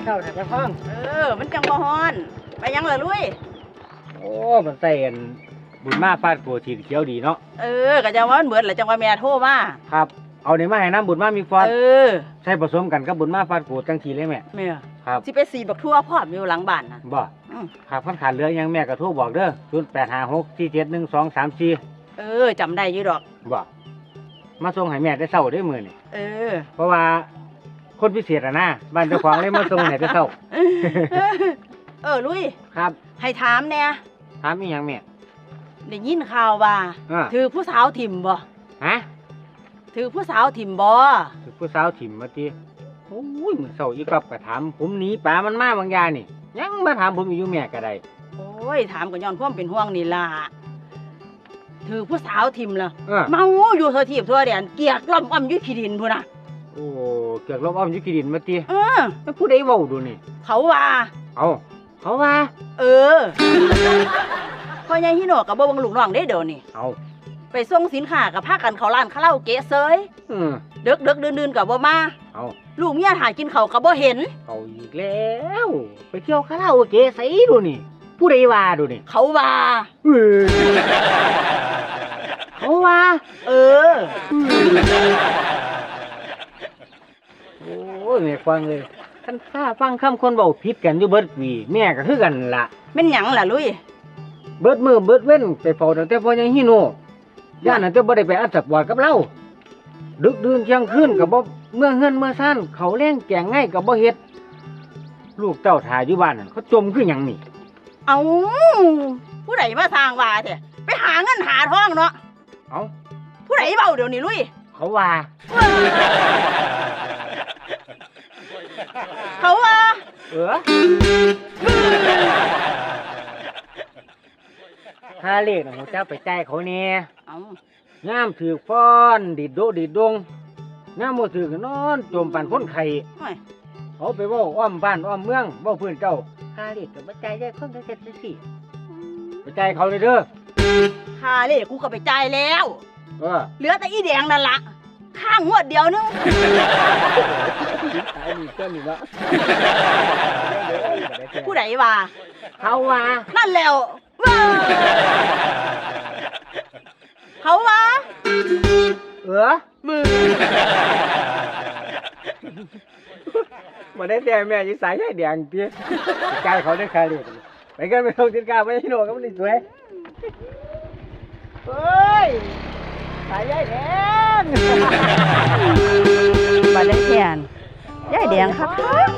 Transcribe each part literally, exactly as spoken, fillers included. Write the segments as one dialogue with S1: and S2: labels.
S1: เศร้าแต่กระท่อง
S2: เออมันจังบ่ฮ้อนไปยังล่ะลุย
S1: โอ้มันใส่บุญมาฟาดโกสีเขียวดีเนาะ
S2: เออก็จังว่ามันเบิดแหละจังว่าแม่โทรมา
S1: ครับเอาเนี่ยมาให้น้ำบุญมามีฟอด
S2: เออ
S1: ใช่ผสมกันกับบุญมาฟาดโกจังทีเลยแม่
S2: แม่
S1: ครับ
S2: สิไปสีบักทั่วพร้อมอยู่หลังบ้านน่ะ
S1: บ่ครับคันขาดเหลือยังแม่ก็โทรบอกเด้อศูนย์แปดห้าหกสี่เจ็ดหนึ่งสองสามสี่
S2: เออจำได้อยู่ดอก
S1: บ่มาส่งให้แม่ได้เศร้าได้มื้อนี่
S2: เออ
S1: เพราะว่าคนพิเศษอ่ะนะบ้านเจ้าของเลยมาส่งให้ได้เศร้า
S2: เออลุย
S1: ครับ
S2: ให้ถามแน่
S1: ถามอีหยังแม่
S2: ได้ยินข่าวว่าถือผู้สาวถิ่มบ่
S1: ฮะ
S2: ถือผู้สาวถิ่มบ่
S1: ถือผู้สาวถิ่มมาติโอ้ยมื้อเช้าอีกรับก็ถามผมหนีป่ามันมาบางอย่างนี่ยังมาถามผมอยู่แม่ก็ได้
S2: โอ้ยถามก็ย้อนความเป็นห่วงนี่ล่ะถือผู้สาวถิ่มล่ะเมาอยู่ทั่วทิพย์ทั่วแดนเกียกล่อมอ้อมอยู่ขี้ดินพุ่นน่ะ
S1: โอ้เกียกล่อมอ้อมอยู่ขี้ดินมาติ
S2: เออ
S1: แล้วผู้ใดเว้าดูนี่
S2: เขาว่า
S1: เอาเขาว่า
S2: เออพ่อใหญ่ฮิโนะก็บ่เบิ่งลูกน้องเด้เดี๋ยวนี้
S1: เอา
S2: ไปส่งสินค้ากับพากันเข้าร้านคาราโอเกะเซย
S1: อือ
S2: ดึกๆดื่นๆก็บ่มา
S1: เอา
S2: ลูกเมียถ่ายกินข้าวก็บ่เห็น
S1: เอาอีกแล้วไปเที่ยวคาราโอเกะไสดูนี่ผู้ใดว่าดูนี่
S2: เขาว่า
S1: เออเขาว่า
S2: เออ
S1: โอ้ยแม่ฟังเลยคันข้าฟังคำคนเว้าผิดกันอยู่เบิดปีแม่ก็คือกันล่ะ
S2: แม่นหยังล่ะลุย
S1: เบิดมือเบิดเว้นไปเฝ้าตั้งแต่พ่อยังฮิโนะย่านนั้นจะบ่ได้ไปอัดสักบอดกับเราดึกดื่นเที่ยงคืนก็บ่เมื่อเฮือนเมื่อซ่านเขาแล้งแกงง่ายก็บ่เฮ็ดลูกเต้าถ่ายอยู่บ้านนั่นเขาจมคือหยังนี่
S2: เอ้าผู้ใดมาสร้างว่าแท้ไปหาเงินหาทองเนาะ
S1: เอ้า
S2: ผู้ใดเว้าเดี๋ยวนี้ลุย
S1: เขาว่า
S2: เขาว่า
S1: เออถ้าเลขน่ะฮู้จักไปจ่ายเขาแน่
S2: เอ้าย
S1: ามถือฟ้อนดิดโดดิดดงยามบ่ถือก็นอนจมปานคนไข้เขาไปเว้าอ้อมบ้านอ้อมเมืองเว้าพื้นเจ้าค่าเลขก็บ่จ่ายได้คนจังซี่จังซี่ไปจ่ายเขาเลยเด้อ
S2: ค่าเลขกูก็ไปจ่ายแล้ว
S1: เออ
S2: เหลือแต่อีแดงนั่นล่ะข้างงวดเดียวนึง
S1: ตายนี่เจ้านี่เนาะ
S2: ผู้ใดว่า
S1: เขาว่า
S2: นั่นแล้วเขาว่า
S1: เออมือมาได้แต่แม่ยิ่งสายใหญ่แดงเตี้ยใจเขาได้คาเรียไปกันไปลงจินกาไปที่โน่ก็มันสวยเฮ้ยสายใหญ่แดง
S2: มาได้แทนใหญ่แดงครับ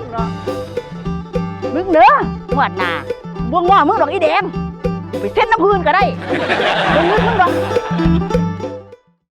S2: มึงเด้อหวดหนาบวงว่ามึงดอกอีแดงไปเส้นน้ำพื้นก็ได้มึงนึกมึงดอก